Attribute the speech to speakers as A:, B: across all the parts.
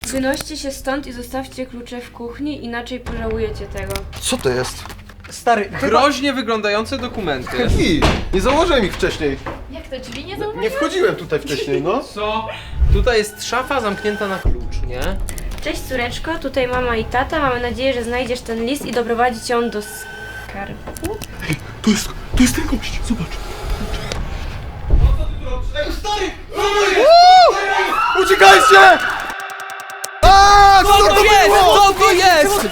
A: Wynoście się stąd i zostawcie klucze w kuchni, inaczej pożałujecie tego.
B: Co to jest?
C: Stary,
D: Groźnie wyglądające dokumenty.
B: Drzwi! Nie założyłem ich wcześniej.
A: Jak to, drzwi nie zauważyłeś?
B: Nie wchodziłem tutaj wcześniej, no.
D: Co? Tutaj jest szafa zamknięta na klucz, nie?
A: Cześć córeczko, tutaj mama i tata. Mamy nadzieję, że znajdziesz ten list i doprowadzić ją do skarbu.
B: To jest ten gość, zobacz. Ej, stary! Uciekajcie! Aaaa! Co to było?
D: Co to jest?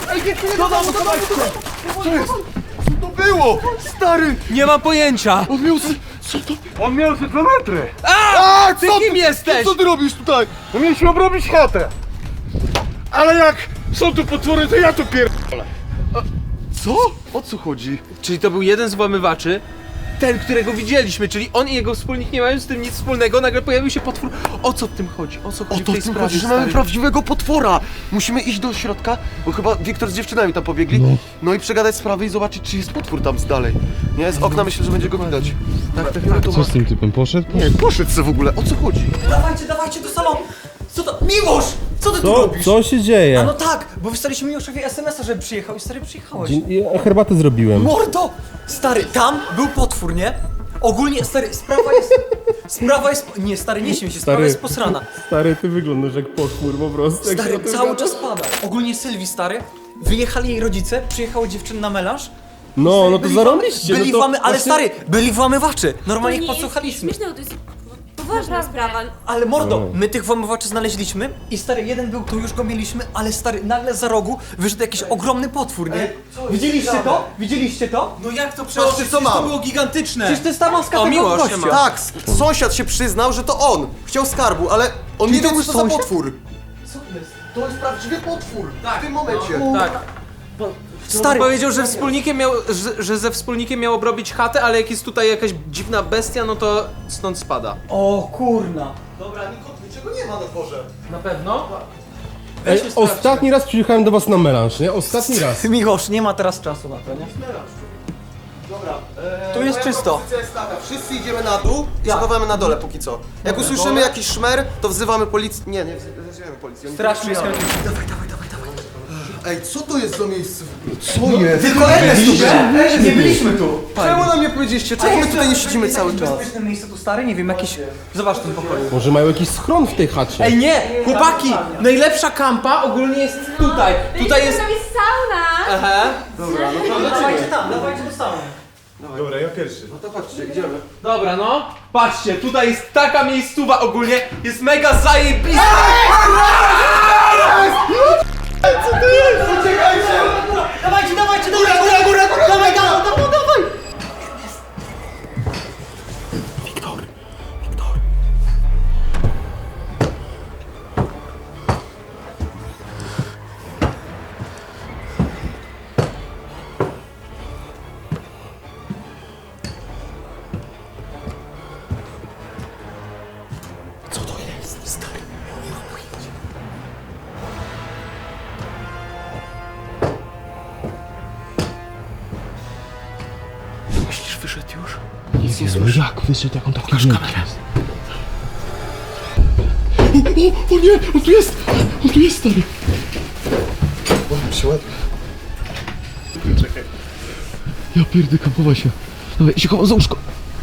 B: Co jest? Co to było? Stary!
D: Nie mam pojęcia!
B: On miał... Co to...
E: On miał ze 2 metry.
B: A,
D: Ty kim jesteś?
B: Co ty robisz tutaj?
E: No mieliśmy obrobić chatę. Ale jak są tu potwory, to ja tu pierdolę.
B: Co? O co chodzi?
D: Czyli to był jeden z włamywaczy, ten, którego widzieliśmy, czyli on i jego wspólnik nie mają z tym nic wspólnego, nagle pojawił się potwór. O co w tym chodzi? O co
B: O
D: chodzi w
B: to
D: tej
B: w tym
D: sprawie,
B: chodzi, że
D: stary?
B: mamy prawdziwego potwora! Musimy iść do środka, bo chyba Wiktor z dziewczynami tam pobiegli. No i przegadać sprawy i zobaczyć, czy jest potwór tam z dalej. Nie, z okna myślę, że będzie go widać. Tak.
E: Co z tym typem poszedł?
B: Nie, poszedł co w ogóle, o co chodzi?
C: dawajcie do salonu! Co to? Miłosz! Co ty tu robisz?
E: Co się dzieje?
C: A no tak, bo wysłaliśmy Miłoszowi SMS-a, żeby przyjechał i stary przyjechałeś.
E: Ja herbatę zrobiłem.
C: Mordo! Stary, tam był potwór, nie? Ogólnie, stary, sprawa jest... Nie, stary, nie śmiej się, sprawa
E: Stary.
C: jest posrana.
E: Stary, ty wyglądasz jak potwór po prostu. jak
C: Stary,
E: się o tym
C: cały
E: gada.
C: czas pada. Ogólnie Sylwii, stary, wyjechali jej rodzice, przyjechała dziewczyna na melanż.
E: No to zarąbiście.
C: Byli
E: no to
C: włamy... Ale
E: właśnie-
C: stary, byli włamywacze. Normalnie ich podsłuchaliśmy.
A: Śmieszne, to jest poważna sprawa.
C: Ale mordo, my tych włamywaczy znaleźliśmy i stary, jeden był tu, już go mieliśmy, ale stary, nagle za rogu wyszedł jakiś ogromny potwór, nie? Widzieliście to? Widzieliście to?
D: No jak to
B: Patrzcie, co mam.
D: To było gigantyczne!
C: Przecież to jest ta maska
D: O,
C: tego
D: Miłosz,
C: gościa.
D: siema.
B: Tak, sąsiad się przyznał, że to on. Chciał skarbu, ale on
C: Czyli
B: nie
C: to
B: wie,
C: był
B: co za
C: sąsiad?
B: potwór.
C: Co to jest?
B: To jest prawdziwy potwór. W tym momencie.
D: Tak.
C: Stary,
D: Powiedział, że wspólnikiem miał, że ze wspólnikiem miał obrobić chatę, ale jak jest tutaj jakaś dziwna bestia, no to stąd spada.
C: o kurna.
B: Dobra, niczego nie ma na dworze.
D: Na pewno?
E: Ej, ostatni raz przyjechałem do was na melanż, nie? Ostatni raz.
C: Miłosz, nie ma teraz czasu na to, nie?
B: Dobra,
C: Tu jest
B: moja
C: czysto.
B: propozycja jest taka, wszyscy idziemy na dół i schowamy na dole póki co. Jak usłyszymy jakiś szmer, to wzywamy policję. Nie wzywamy policji. Oni
C: Straż
B: tu
C: miejską.
B: przyjadą. Ej, co to jest za miejsce? Co jest?
C: Tylko Ernest tu był! Nie byliśmy tu!
B: Czemu nam nie powiedzieliście? Czemu my tutaj nie siedzimy cały czas?
C: Bezpieczne miejsce tu, stary? Nie wiem, jakieś... Zobacz ten pokoju.
E: Może mają jakiś schron w tej chacie.
D: Ej nie! Chłopaki! Najlepsza kampa ogólnie jest tutaj. Tutaj jest...
A: Tam jest sauna!
D: Aha.
C: Dawajcie tam, dawajcie do salonu.
E: Dobra, ja pierwszy.
B: No to chodźcie, idziemy.
D: Dobra, no. Patrzcie, tutaj jest taka miejscowa ogólnie. Jest mega zajebista.
C: Dawajcie, góra! Dawaj, dawaj!
B: Myślisz, wyszedł już?
E: Nic nie słyszę. Jak wyszedł, jak on taki wielki jest? O nie! On tu jest! On tu jest, stary!
B: Się ładnie.
E: Ja pierdykam, chowaj się. Dawaj, się chowam za łóżko.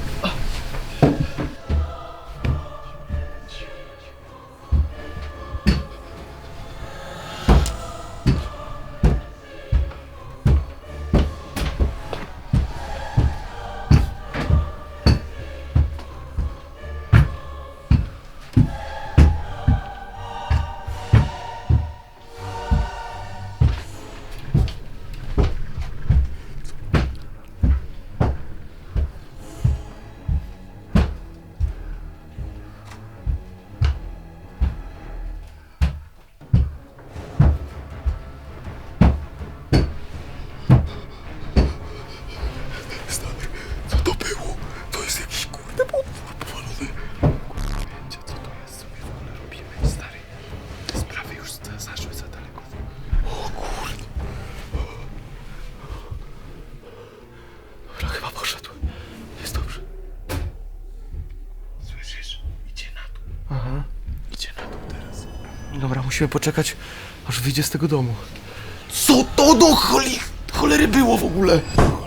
B: Co to było? To jest jakiś kurde potwór powalony. Wiecie co to jest, co my w ogóle robimy, stary? Sprawy już zaszły za daleko. O kurde. Dobra, chyba poszedł. Jest dobrze. Słyszysz? Idzie na dół. Aha. Idzie na dół teraz.
C: Dobra, musimy
B: Musimy poczekać, aż wyjdzie z tego domu. Co to do cholery było w ogóle?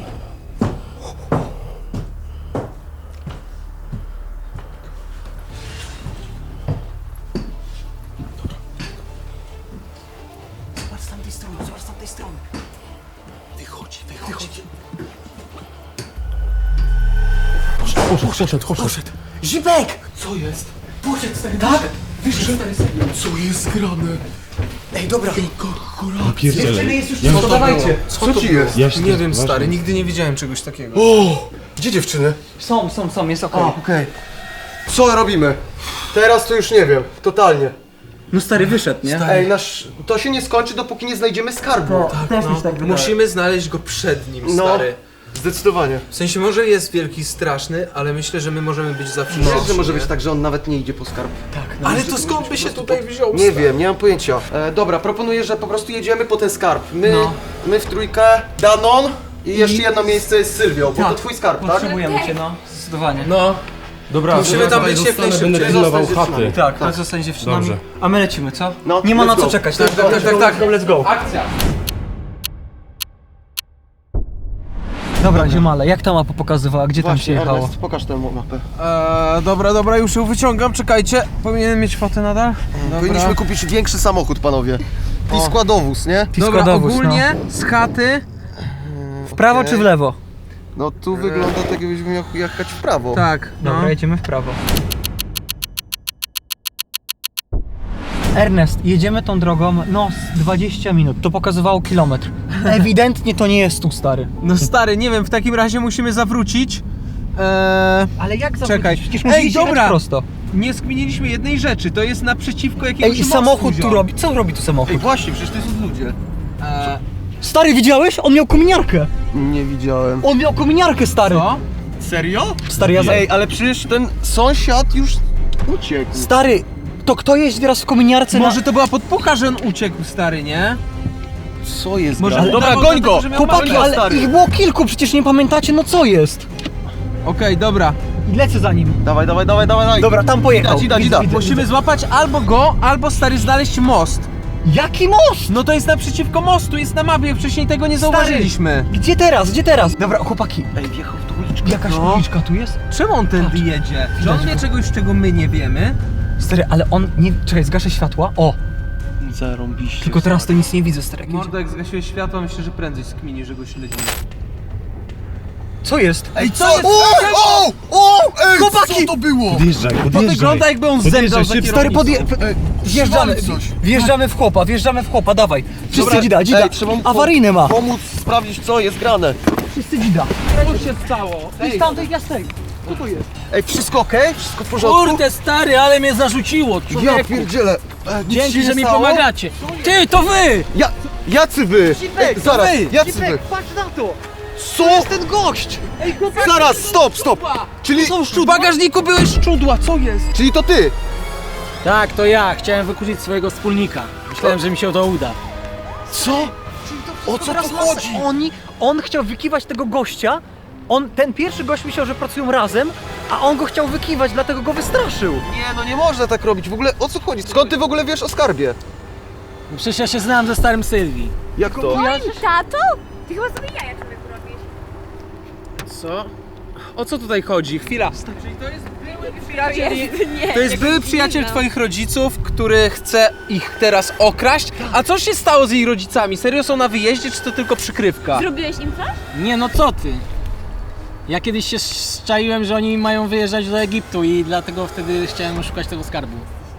C: Zobacz z tamtej strony, zobacz z tamtej strony.
B: Wychodzi. Poszedł.
C: Zipek!
B: Co jest?
C: Poszedł, stary, tak? Wyszedł, stary, serio.
B: Co jest grane?
C: Ej, dobra.
E: Pierdziele.
C: Dziewczyny jest już cicho, dawajcie.
B: Co ci jest?
D: Nie wiem, stary, nigdy nie widziałem czegoś takiego.
B: O! Gdzie dziewczyny?
C: Są, jest okej.
B: Okej. Co robimy? Teraz to już nie wiem, totalnie.
C: No stary, wyszedł, nie?
B: Ej, to się nie skończy, dopóki nie znajdziemy skarbu.
C: Też mi się tak wydaje.
D: Musimy znaleźć go przed nim,
B: No.
D: stary.
B: Zdecydowanie.
D: W sensie może jest wielki, straszny, ale myślę, że my możemy być zawsze
B: Myślę,
D: lepsi,
B: że może
D: nie?
B: być tak, że on nawet nie idzie po skarb.
D: Ale to skąd by się tutaj wziął?
B: Nie
D: stary?
B: wiem, nie mam pojęcia. Dobra, proponuję, że po prostu jedziemy po ten skarb. My w trójkę, Danon i jeszcze jedno miejsce jest z Sylwią, bo to twój skarb, tak?
C: Potrzebujemy cię, no. Zdecydowanie.
D: No,
E: Dobra,
D: musimy tam być jak najszybciej.
B: pilnował chaty.
C: Tak, tak. Zostań dziewczynami.
E: Dobrze.
C: A my lecimy, co?
B: No,
C: Nie ma
B: let's
C: na co
B: go.
C: czekać.
D: Tak.
C: Let's go.
D: Akcja!
C: Dobra, ziomale, jak ta mapa pokazywała? Gdzie tam się
B: Właśnie,
C: jechało?
B: Ernest, pokaż tę mapę.
D: Dobra, już ją wyciągam, czekajcie. Powinienem mieć fotę nadal?
B: Powinniśmy kupić większy samochód, panowie. I składowóz, nie?
D: Dobra,
C: składowóz,
D: ogólnie z chaty,
C: W prawo czy w lewo?
B: No tu wygląda tak, jakbyśmy miał jechać w prawo.
D: tak,
C: Dobra, jedziemy w prawo. Ernest, jedziemy tą drogą, no z 20 minut, to pokazywało kilometr. Ewidentnie to nie jest tu, stary.
D: No stary, nie wiem, w takim razie musimy zawrócić.
C: Ale jak zawrócić?
D: Czekaj.
C: Przecież
D: Ej,
C: musisz jechać
D: dobra.
C: prosto.
D: Nie skminiliśmy jednej rzeczy, to jest naprzeciwko jakiegoś
C: Ej, i
D: mostu,
C: samochód tu
D: ziom.
C: robi. Co robi tu samochód?
B: Ej, właśnie, przecież to są ludzie.
C: Stary, widziałeś? On miał kominiarkę.
B: Nie widziałem.
C: On miał kominiarkę, stary.
D: Co?
B: Serio?
C: Stary, ja za...
B: Ej, ale przecież ten sąsiad już uciekł.
C: Stary, to kto jeździ teraz w kominiarce
D: Może to była podpucha, że on uciekł, stary, nie?
B: Co jest
D: Może
B: grane?
D: udawał
B: Dobra,
D: do
B: goń
D: tego,
B: go!
D: że miał
C: Chłopaki,
D: małego,
C: ale
B: stary.
C: ich było kilku, przecież nie pamiętacie, no co jest?
D: Okej, dobra.
C: I lecę za nim.
B: Dawaj.
C: Dobra, tam pojechał.
B: Ida.
D: Musimy złapać albo go, albo stary znaleźć most.
C: Jaki most?
D: No to jest naprzeciwko mostu, jest na mapie, wcześniej tego nie zauważyliśmy.
C: Gdzie teraz? Dobra, chłopaki.
B: Ej, wjechał w tą uliczkę.
C: Jakaś
D: No.
C: uliczka tu jest?
D: Czemu on tędy jedzie? Czy on wie czegoś, czego my nie wiemy?
C: Stary, ale on nie... Czekaj, zgaszę światła. O,
B: Zarąbiście.
C: tylko teraz to nic nie widzę, stary. jak jedzie.
D: Mordo, jak zgasiłeś światło, myślę, że prędzej skmini, że go śledzimy.
C: Co jest?
D: Ej, co jest?
B: Ej,
C: Chłopaki!
B: co to było?
E: Podjeżdżaj.
D: To wygląda jakby on zemdlał za
E: szybko.
C: Stary,
D: kierownicą.
C: wjeżdżamy,
B: coś.
C: wjeżdżamy w chłopa, dawaj. Wszyscy dzida.
B: Ej, trzeba mu
C: Awaryjny ma.
B: pomóc sprawdzić, co jest grane.
C: Wszyscy dzida.
D: Co się stało?
C: Z tamtej jasnej. Co to jest?
B: Ej, wszystko okej? Wszystko w porządku?
F: Kurde stary, ale mnie zarzuciło,
B: Ja
F: człowieku.
B: pierdzielę. Nic się
F: Dzięki,
B: nie
F: że mi
B: stało?
F: pomagacie. Ty, to wy!
B: Jacy wy? Ej, zaraz, jacy wy?
C: patrz na to.
B: Co?
C: To jest ten gość.
B: Zaraz, stop. Czyli,
D: W bagażniku były szczudła, co jest?
B: czyli to ty?
F: Tak, to ja. Chciałem wykurzyć swojego wspólnika. Myślałem, że mi się to uda.
B: Co? O co tu chodzi?
C: On chciał wykiwać tego gościa. Ten pierwszy gość myślał, że pracują razem, a on go chciał wykiwać, dlatego go wystraszył.
B: Nie, no nie można tak robić. W ogóle o co chodzi? Skąd ty w ogóle wiesz o skarbie?
F: Przecież ja się znałem ze starym Sylwii.
B: Jak to?
A: Tato? Ty chyba sobie jaja człowieku robisz.
D: Co? O co tutaj chodzi? Chwila. Czyli to jest były przyjaciel...
A: Nie,
D: To jest były przyjaciel twoich rodziców, który chce ich teraz okraść. A co się stało z jej rodzicami? Serio są na wyjeździe, czy to tylko przykrywka?
A: Zrobiłeś im coś?
F: Nie, no co ty? Ja kiedyś się szczaiłem, że oni mają wyjeżdżać do Egiptu i dlatego wtedy chciałem oszukać tego skarbu.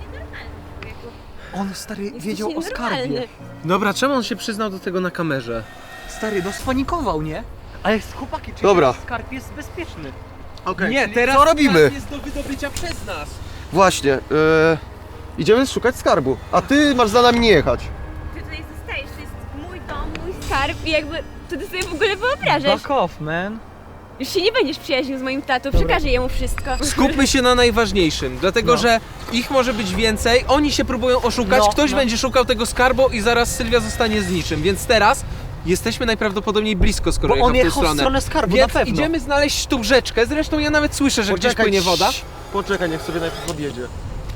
C: On, stary, wiedział o skarbie.
A: nienormalny.
D: Dobra, czemu on się przyznał do tego na kamerze?
C: Stary, no spanikował, nie? Ale chłopaki, czy
B: Dobra.
C: skarb jest bezpieczny?
B: Okej.
D: Nie, teraz
B: co robimy?
D: skarb jest do wydobycia przez nas.
B: Właśnie, idziemy szukać skarbu, a ty masz za nami nie jechać.
A: Ty tutaj zostajesz, to jest mój dom, mój skarb i jakby... To ty sobie w ogóle wyobrażasz.
C: Back off, man.
A: Już się nie będziesz przyjaźnił z moim tatą, przekażę jemu wszystko.
D: Skupmy się na najważniejszym, dlatego że ich może być więcej, oni się próbują oszukać, ktoś będzie szukał tego skarbu i zaraz Sylwia zostanie z niczym, więc teraz jesteśmy najprawdopodobniej blisko, skoro
C: Bo on
D: jechał w tę
C: jechał w
D: stronę.
C: stronę skarbu,
D: Więc
C: na pewno.
D: idziemy znaleźć tą rzeczkę, zresztą ja nawet słyszę, że gdzieś płynie woda.
B: Poczekaj, niech sobie najpierw odjedzie.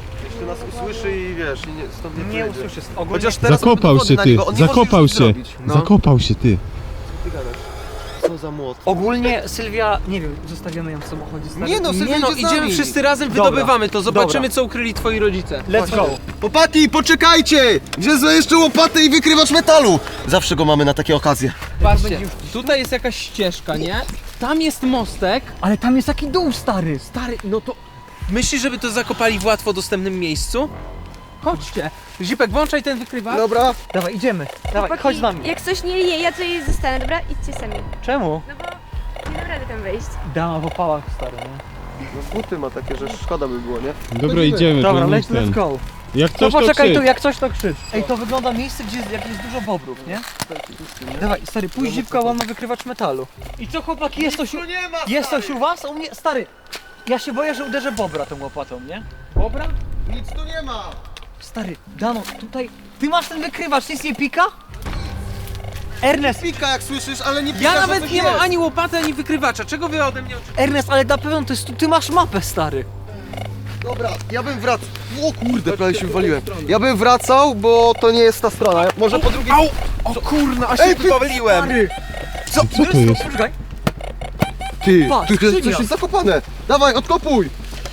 B: że nas usłyszy i wiesz, i stąd nie
C: Nie
B: wyjdzie.
C: usłyszysz. Ogólnie
B: Chociaż teraz mamy
E: Zakopał
B: dowody
E: się
B: na
E: ty,
B: niego, on nie może
E: zakopał
B: już nic
E: się,
B: zrobić.
D: No.
E: zakopał się ty.
B: Ty gadasz. Co za młot.
C: Ogólnie Sylwia, nie wiem, zostawiamy ją w samochodzie. Stary.
B: Nie no, Sylwia
D: Nie no,
B: idzie z nami.
D: idziemy wszyscy razem,
C: Dobra.
D: wydobywamy to, zobaczymy
C: Dobra.
D: co ukryli twoi rodzice.
C: Let's go.
B: Chłopaki, poczekajcie! Wzięłem jeszcze łopatę i wykrywacz metalu! Zawsze go mamy na takie okazje.
D: Patrzcie, tutaj jest jakaś ścieżka, nie? Tam jest mostek.
C: Ale tam jest taki dół, stary.
D: Stary, no to... Myślisz, żeby to zakopali w łatwo dostępnym miejscu? Chodźcie. Zipek, włączaj ten wykrywacz.
B: Dobra.
C: Dawaj, idziemy. Dawaj,
A: Chłopaki,
C: chodź z nami.
A: Jak coś nie, ja tutaj zostanę, dobra? Idźcie sami.
C: Czemu?
A: No bo nie dam rady tam wejść.
C: Dama w opałach, stary, nie?
B: No buty ma takie, że szkoda by było, nie?
E: Dobra, idziemy,
C: Dobra,
E: to
C: let's
E: ten.
C: go.
E: Jak
C: To
E: coś to
C: poczekaj tu,
E: krzycz.
C: jak coś to krzycz. Ej, to wygląda miejsce, gdzie jest, jak jest dużo bobrów, nie? Dawaj, stary, pójdź Zipka, on ma wykrywacz metalu. I co, chłopaki, jest coś jest coś u was? U mnie, stary, ja się boję, że uderzę bobra tą łopatą, nie?
D: Dobra?
B: Nic tu nie ma!
C: Stary, Dano, tutaj, ty masz ten wykrywacz, nic nie pika? Ernest,
B: Pika jak słyszysz, ale nie pika,
D: Ja
B: że
D: nawet
B: coś
D: nie mam
B: jest.
D: ani łopaty, ani wykrywacza. Czego wy ode mnie oczekujecie?
C: Ernest, ale na pewno to jest, ty masz mapę, stary.
B: Dobra, ja bym wracał. O kurde, prawie się wywaliłem. Ja bym wracał, bo to nie jest ta strona. Może po drugiej...
D: Au! O kurna, aż się powaliłem.
E: Co to jest?
C: Poczekaj.
B: Ty,
C: Patrz,
B: tu jest
C: skrzynia.
B: coś jest zakopane. Dawaj, odkopuj!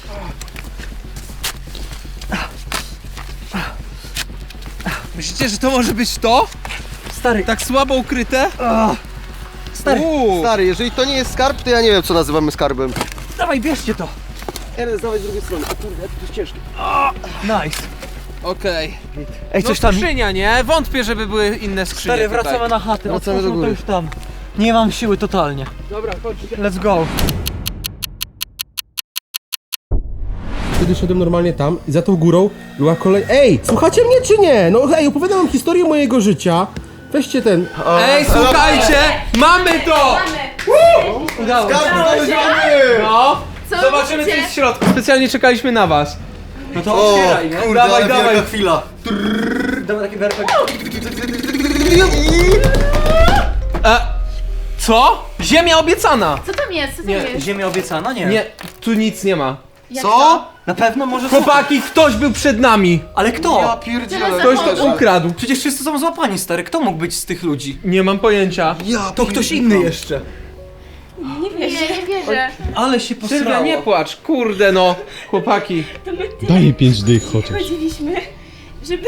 D: Myślicie, że to może być to?
C: Stary,
D: Tak słabo ukryte?
C: stary,
B: Stary, jeżeli to nie jest skarb, to ja nie wiem, co nazywamy skarbem.
C: dawaj, bierzcie to.
B: Ernest, dawaj z drugiej strony. O kurde, to jest ciężkie.
C: Nice.
D: Okej.
C: Ej,
D: No
C: coś tam,
D: skrzynia, nie? Wątpię, żeby były inne skrzynie
C: stary,
D: tutaj.
C: wracamy na chatę,
B: Wracamy do
C: otwórzmy to
B: góry.
C: już tam. Nie mam siły totalnie.
D: Dobra, chodźcie.
C: Let's go.
G: Wtedy szedłem normalnie tam i za tą górą była kolej. Ej, słuchacie mnie czy nie? No ej, opowiadam wam historię mojego życia. Weźcie ten.
D: Ej, słuchajcie! Mamy to!
C: Udało się.
D: No!
A: Co
D: Zobaczymy, co
A: robicie?
D: jest w środku. Specjalnie czekaliśmy na was.
C: No to otwieraj, nie?
B: Kurde,
C: Dawaj,
B: ale
C: dawaj.
B: wielka chwila.
C: Dawaj taki berfek.
D: Co? Ziemia obiecana!
A: Co tam jest? Co tam
C: Nie,
A: jest?
C: ziemia obiecana? Nie.
D: Nie, tu nic nie ma.
B: Co?
C: Na pewno może
D: Chłopaki, ktoś był przed nami!
C: Ale kto?
B: Ja pierdzielę.
D: Ktoś to ukradł.
C: Przecież wszyscy są złapani, stary. Kto mógł być z tych ludzi?
D: Nie mam pojęcia.
B: Ja
C: To ktoś inny jeszcze.
A: Nie wierzę.
C: Ale się posrało.
D: Sylwia, nie płacz, kurde no. Chłopaki.
A: To my tyle
E: Daj 5 dych chociaż.
A: chodziliśmy, żeby...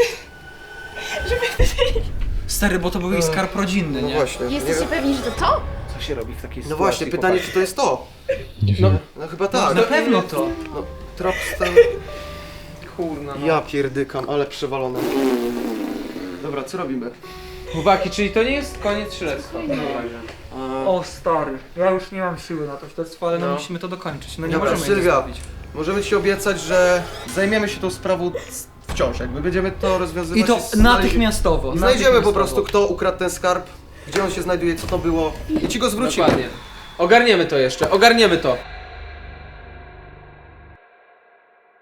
C: Stary, bo to był jej skarb rodzinny,
B: No
C: nie?
B: właśnie.
A: Jesteście pewni, że to to?
D: Co się robi w takiej
B: No właśnie, pytanie, czy to jest to?
E: Nie wiem.
B: No chyba tak.
C: Na pewno to.
B: No, trop stan...
D: Kurna no.
B: Ja pierdykam, ale przewalone. Dobra, co robimy?
D: Chłopaki, czyli to nie jest koniec śledztwa w takim razie.
C: O stary, ja już nie mam siły na to śledztwo, ale no musimy to dokończyć. No nie
B: Dobra,
C: możemy jej
B: Sylwia,
C: zostawić.
B: możemy ci obiecać, że zajmiemy się tą sprawą wciąż, jakby będziemy to rozwiązywać.
C: I to natychmiastowo.
B: I znajdziemy po
C: natychmiastowo.
B: prostu, kto ukradł ten skarb, gdzie on się znajduje, co to było i ci go zwrócimy.
D: Dokładnie. Ogarniemy to jeszcze, ogarniemy to.